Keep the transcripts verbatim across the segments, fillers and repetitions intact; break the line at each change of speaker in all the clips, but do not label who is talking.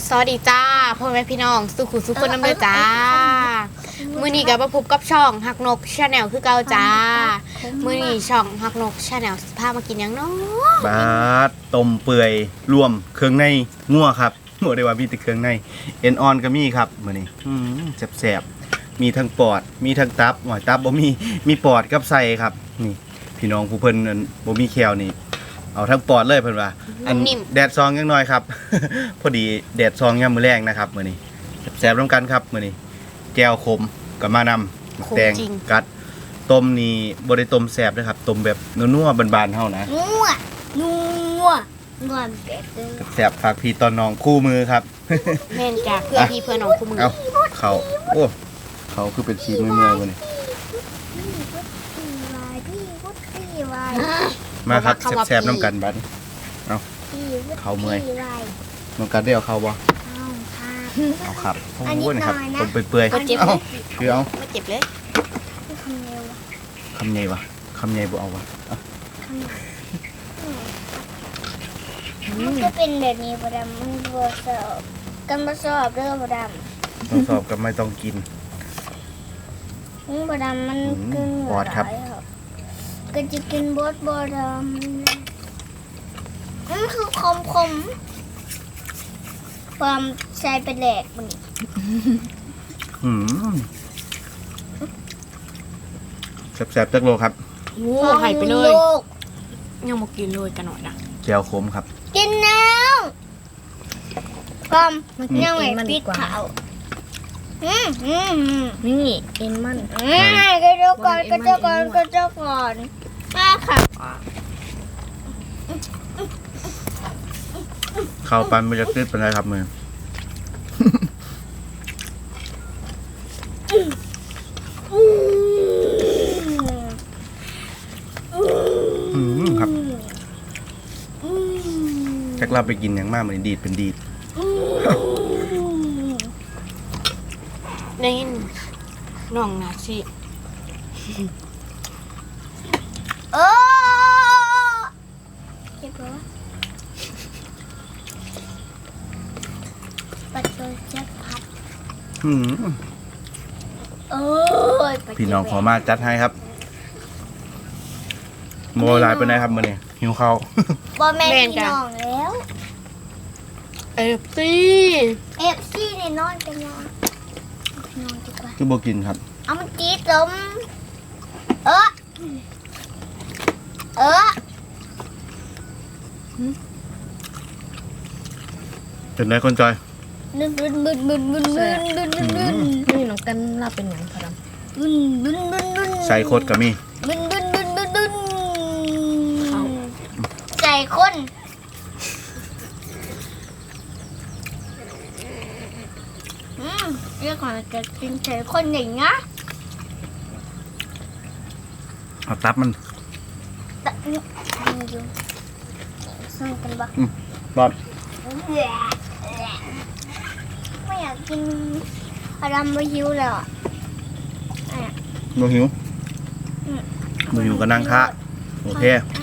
สวัสดีจ้าพ่อแม่พี่น้องสุขุสุขคนน้ำเดือจ้ามือนี้กับมาพบกับช่องหักนกชาแนลคือเก่าจ้ามือนี้ช่องหักนกชาแนลพามากินยังเนาะ
บาดต้มเปื่อยรวมเครื่องในงัวครับหมดได้ว่ามีแต่เครื่องในเอ็นออนก็มีครับมื้อนี้แซ่บๆมีทั้งปอดมีทั้งตับหอยตับบ่มีมีปอดกับไส้ครับนี่พี่น้องผู้เพิ่นบ่มีแคลนี่เอาทั้งปอดเลยเพิ่นว่าอันแดดซองยังน้อยครับ พอดีแดดซองยามมื้อแรงนะครับมื้อนี้แซ่บๆร่วมกันครับมื้อนี้แก้วขมกับมานำแตงกัดต้มนี่บ่ได้ต้มแซ่บเด้อครับต้มแบบนัวๆบานๆเฮานะ
นัวนัวนัวแบบเด้อ
แซ่บฝากพี่ตอนน้องคู่มือครับ
แม่นจ้าเพื่อพี่เพื่อน้องคู่มือ
เอาเขาโอ้เขาคือเป็นชีมือๆวันนี้มาครับแซ่บๆน้ำกันบัดเอาเขาเมื่อยน้องกันได้เอาเขาบ่เอาครับโอ้ยนะครับต้มเปื่อยๆเอาคือเอา
ไม่เจ็บเลย
คำใหญ่วะคำใหญ่บ่เอาวะ
มันจะเป็นแบบนี้ประดำมันบวสอบกันบวสอบเรื่องประดำ
ต้องสอบกับไม่ต้องกิน
ประดำมันกิน
ปอดครับ
ก็จะกินบดบดำมันคือคมคมความใช้เป็นแหลกมัน
อืมแซ่บๆจักโลครับ
โอ้หายไปเลยยังมากินเลยกันหน่อยนะ
แจ่วขมครับ
กินแล้วความยังไงปิดเผาอืมอืม
นี่เอ็นมัน
อืมกระเจ้าก่อนกระเจ้าก่อนกระเจ้าก่อนมาค่ะ
เข้าปันมันจะติดเป็นไรครับมืออืมครับแจ็คเราไปกินอย่างมากเหมือนดีดเป็นดีด
ได้ยินน้องนาชิ
โอ้เจ็บปะปัดตัวเจ็บพัด
อืม
โอ้ย
พี่น้องขอมาจัดให้ครับโมลายไปไหนครับมื่อนี้หิวข้าว
บอแม่พี่น้องแล้ว
เอฟซี
เอฟซีเนี่ยนอนกันนอนนอนดีกว่า
คือโบกินครับ
เอามันจีสมเออเออ
เป็นไรคนจอย
บึนบึนบึนบึนบึนบึนบึนบึนบึน
นี่น้องกันลาเป็นอย่างพอด
ำบึนบึนบึนบึน
ใส่โคตรกับมี
บึนบึนบึนบึนบึนใส่คนอืมเรียกว่าจะกินใส่คนอย่างเงี้ย
เอาตับมัน
ตับนี่มันอยู่ส่งกันบ้าง
บอด
ไม่อยากกินอะไรไม่หิวเลยอ่ะ
โมหิวโมหิวก็นั่งท่าโอเค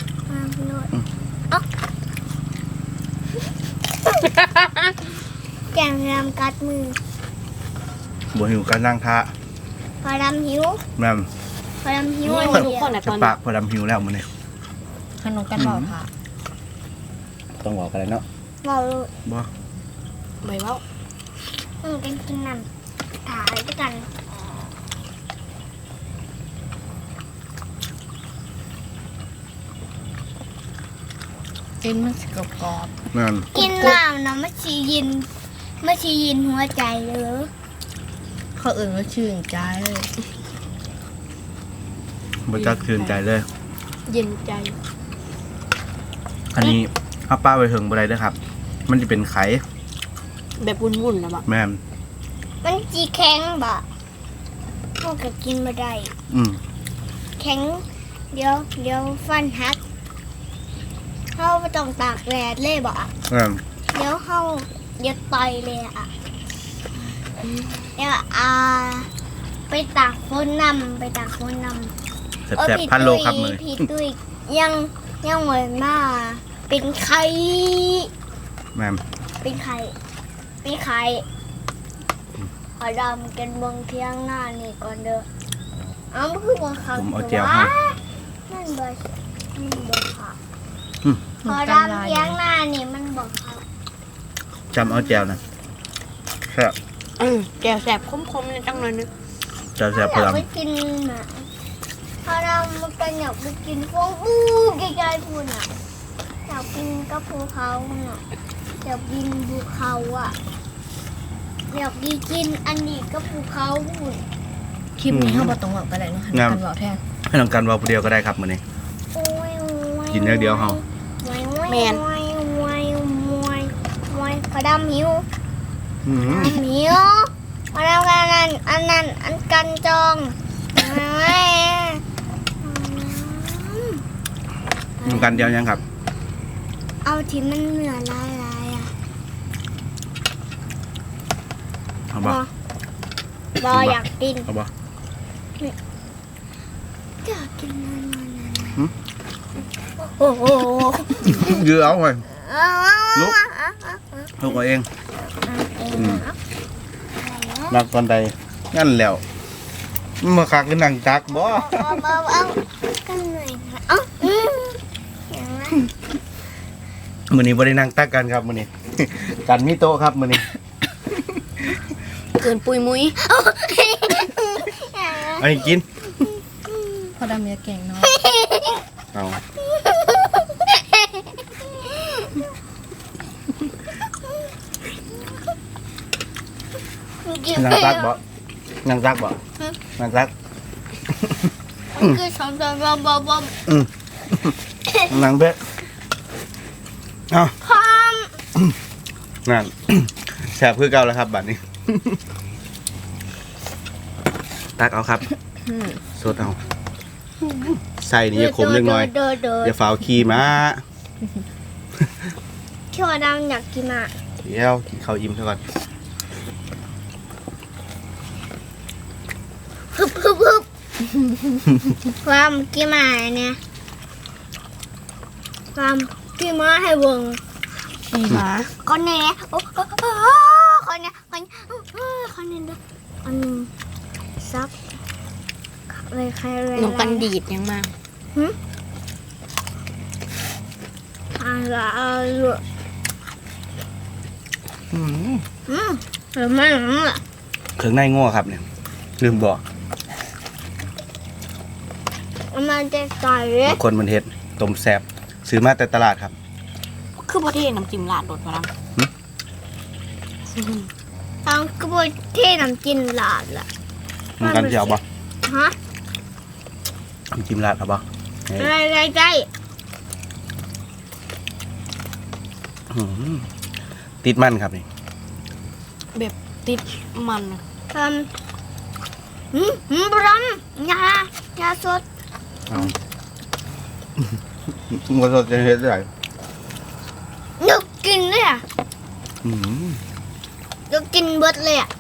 แกงรำกัดมือ
โมหิวก็นั่งท่า
พอดำหิว
แม่
พอดำหิว
ทุกคน
จะปากพอดำหิวแล้วมันเนี่ย
ขนมกันบอกค่ะ
ต้องบอกอะไรเนาะ
บอกเลย
บอก
ไม่บอก
ต้องกินกินน้ำถ่ายด้วยกัน
กินมันสกปรก
นั่น
กินน้ำนะไม่ชียินไม่ชียินหัวใจเลย
เขาอื่นก็ชื่นใจ
บรรจักชื่นใจเลย
เย็นใจ
อันนี้ข้าวป้าไปถึงอะไรด้วยครับมันจะเป็นไข่
แบบวุ่นๆนะบ่
แม่
มันจีแข็งบ่พวกก็กินไม่ได้
อืม
แข็งเดี๋ยวเดี๋ยวฟันหักเขาไปต้องตากแดดเลยบ่เดี๋ยวเขาเดี๋ยวต่อยเลยอ่ะเดี๋ยวอ่าไปตากฝนนำไปตากฝนนำ
แซ่บๆพันโลครับมือ
พี่ตุ้ยยังยังเหมือนมาเป็นไข่
แม่
เป็นไข่เป็ปีไข่ขอดำกันเบงเที่ยงหน้านี่ก่อนเด้อเอามันคือบังคับ
ผมเอาแจวให้
นั่นเบอร์มันบังคับ
อืม
ขอดำเที่ยงหน้านี่มันบังคับ
จำเอาแจวนะแซ่บ
อืมแก้วแสบคมๆในจังเลยนึง
แจวแซ่บพ
อยา
ลั
ก
ง
ไปกินหมาขอดำมันกันอยากไปกินฟองบูใกล้ๆพูนอ่ะอยากกินกับภูเขาน่ะอยากกินภูเขาอ่ะอยากกินอันนี้กับภูเขาพูน
คลิปนี้เข้ามาตรงหวังไปเลยเนาะหันกันบอกแทน
ให้น้องกันว่าผู้เดียวก็ได้ครับมื้อนี้
โอ้ยโอ้ย
กินอย่างเดียวเฮา
แมนมวยมวยมวยมวยขอดำหิว
อืม
หิวขอดำกันอันอันนั้นอันกันจองมวย
น้องกันเดียวยังครับ
เอาที่มันเหนือลายลายอ่ะ
เอาบ่
บออยากกิน
เอาบ่
อยากกินนานนานนาน
หืม
โอ้โห
ยื้อเอาไว้ ลุ
ลุ
ก ลูกเอาเองนักตอนใดงั้นแล้วมาคักกันนั่งตักบ่
เอาเอาเอากันหน่อยค่ะเอ้าอืมอย่างนั้น
มื้อนี้บ่ได้นั่งตักกันครับมื้อนี้ กันมีโต๊ะครับมื้อนี้
เกินปุยมุ้ย
อันนี้กิน
พอดำเมียเก่งเนาะ
เอานั่งตักบ่นั่งตักบ่นั่งตัก
คือสองสองบอมบอมบอม
อืมนั่งเบ็ดเอา
พร้อม
นั่น แซ่บคือเก่าแล้วครับบัดนี้ ตักเอาครับสดเอาใส่นี่อย่าขมเล็กน้อย
เดินเดิน
อย่าฝ่าวขี่มา
เขียวดำอยากกินอ่ะ
เดี๋ยวกินข้าวอิ่มซะก่อน
ฮึบฮึบฮึบความกินมาเนี่ยความกินมาให้วง
อีหมา
คนนี้โอ้โหคนนี้คนนี้คนนี้ด้วยคนนึงซับเลยใครเลย
หนูกันดีดยังมา
อะไรอ่ะ
อืม
อืมหรือไม่หรือไม่
เครื่องในง้อครับเนี่ยลืมบอก
มันจะใส่
บางคนมันเฮ็ดต้มแซ่บซื้อมาแต่ตลาดครับ
คือประเทศน้ำจิ้มลาดโดดมาแล้ว
ทางกระบวนที่น้ำจิ้มหลาดล่ะ
มันกันสิเอาบ่
ฮะ
น้ำจิ้มราดเอาบ่นี่
อะไรอะไรใจ
อืมติดมันครับนี่
แบบติดมันอะ
ทำหืมหืมบรัมยายาสด
เอามันสดจะเฮ็ดได้
อยากกินเลยอ่ะ
อืม
อยากกินเบิดเลยอ่ะ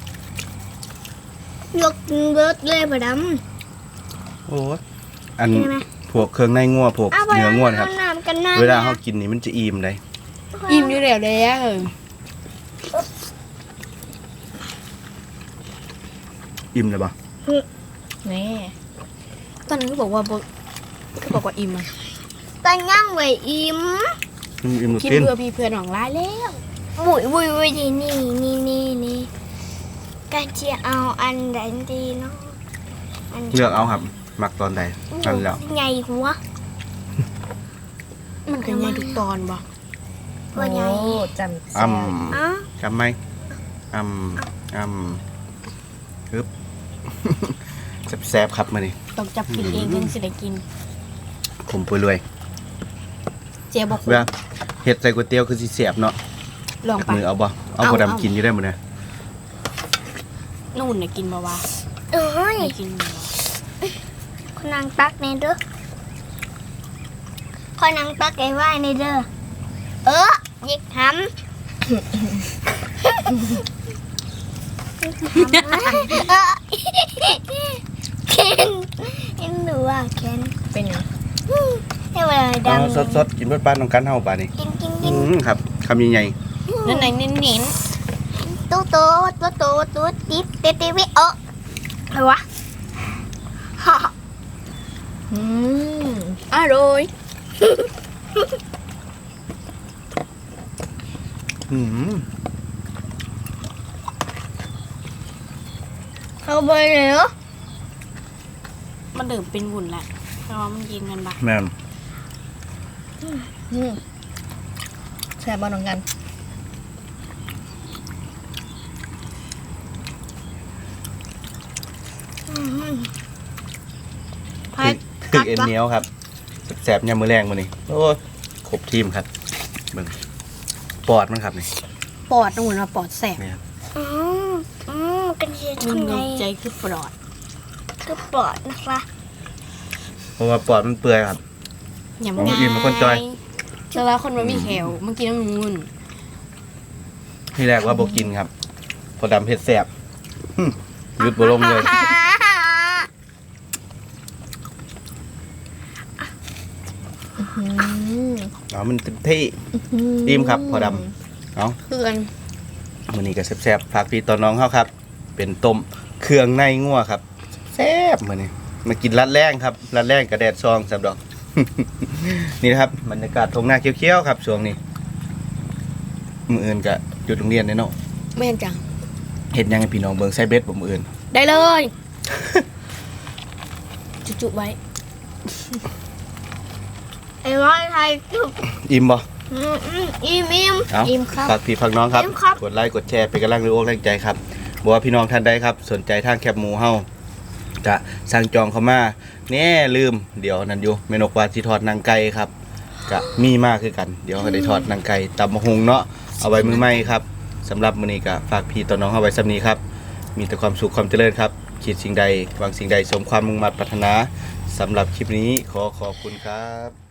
อยากกินเบิดเลยบรัม
โอ้ยอัน
ใช่ไหม
พวกเครื่องในงัวพวก
เอาบ
เนื้อ
รัม
งัวนะครับ
น้ำกันน้ำ
เวลาเขากินนี่มันจะอิ่มเลย
อิ่มอยู่แล้วเลยอะ
อิ่มเลยบ่
นี่
ตอนนั้นก็บอกว่าบ่ก็บอกว่าอิ่มอะ
ตอนย่างไว้อิ่ม
อิ่มอิ่ม
กิน
กิน
เพื่อพี่เพื่อนของร้ายแล้ว
บุยบุยบุยนี่นี่นี่นี่นี่ก็จะเอาอันใดดีเนาะน
เลือกเอาครับมักตอนใดนั่นแล้ว
ใหญ่หัว
มันก็ยังทุกตอนบ่
ตัวใหญ่
โอ้จำ
อ่
แซ่บ
ำ
อ่ะ
จำไหมอ่ำอ่ำฮึบ แซ่บๆครับมานี่
ต้องจับกินเองถึงสิได้กิน
ผมไปรวย
เจ๊บอก
เวลาเฮ็ดใส่ก๋วยเตี๋ยวคือสิแซ่บเนาะ
ลอง
จาก
ไป
มือเอาบ่เอา
เอา
บ่
เอา
ดำกินอยู่ได้หมดนะ
นู่นน่ะกินบ่วะ
เอ้ย
ไม่กินบ่วะ
คนนางตักในเด้อคนนางตักไอ้ไหวในเด้อเออยิกทำเออเคนเอ็นดูว่าเคน
เป็นยัง
ให้เวลา
เอา
ดัง
สดๆกินเบิดปานน้องกันเฮาป่านนี้
กินกิน
อื
กิน
มครับคำใหญ่
นั่นไหนเน้น
ตุ๊ตุ๊ตุ๊ตุ๊ตุ๊ติ๊บติ๊บติ๊บวิโออะไรวะฮ่า
อืม
อร่อย
อืม
เข้าไปเลยเหรอ
มันเดิมเป็นวุ่นแหละแต่ว่ามันกินกันปะ
แม่น
อืมแซ่บบ่น้องกัน
พาย
ถึกเอ็นเหนียวครับแสบๆยามมื้อแรงมื้อนี้โอ้ยครบทีมครับเบิ่งปอดมันครับนี่
ปอดนู่นมาปอดแสบ
เนี่ย
อืมอืมกันเชีย
มัน
ทำไง
ใจคือปลอด
ก็ปลอดนะคะ
เพราะว่าปอดมันเปื่อยครับ
อย่าง
ผม
ง่าย
อิ่มเป็นคนจอย
เจอแล้วคนมันมีแขวเมื่อกี้น้ำมูน
ที่แรกว่าบ่กินครับ พอดำเผ็ดแสบหึหยุดบ่ลงเลย
อืม
เอามันเต็มที่อิ่มครับพอดำเอา
คือกัน
มื้อนี้ก็แซ่บๆฝากพี่ตอนน้องเฮาครับ เป็นต้มเครื่องในงัวครับแซ่บมื้อนี้มากินรัดแรงครับรัดแรงกระแดดซองสับดอก นี่นะครับบรรยากาศทงหน้าเขียวๆครับช่วงนี้มื้ออื่นก็หยุดโรงเรียนแน่เนาะ
แม่นจัง
เฮ็ดหยังให้พี่น้องเบิ่งใส่เบ็ดบ่มื้ออื่น
ได้เลย จุๆไว้
ไอ้ร้อยไทยจุบ
อิ่มบ่
อืมอืมอิ่มอิ่ม
เอา
อิ่มครับ
ฝากพี่ฝากน้องครับ
อิ่มครับ
กดไลค์กดแชร์เป็นกำลังแรงอกแรงใจครับบอกว่าพี่น้องท่านใดครับ สนใจทางแคบหมูเฮาจะสั่งจองเข้ามาแน่ลืมเดี๋ยวนั่นอยู่เมนกว่าสิทอดนางไก่ครับจะมีมากคือกัน เดี๋ยวก็ได้ทอดนางไก่ตำมะฮุงเนาะเอาไว้มือใหม่ครับสำหรับมื้อนี้ก็ฝากพี่ต่อน้องเฮาไว้สำนี้ครับ มีแต่ความสุขความเจริญครับคิดสิ่งใดหวังสิ่งใดสมความมุ่งมั่นปรารถนาสำหรับคลิปนี้ขอขอบคุณครับ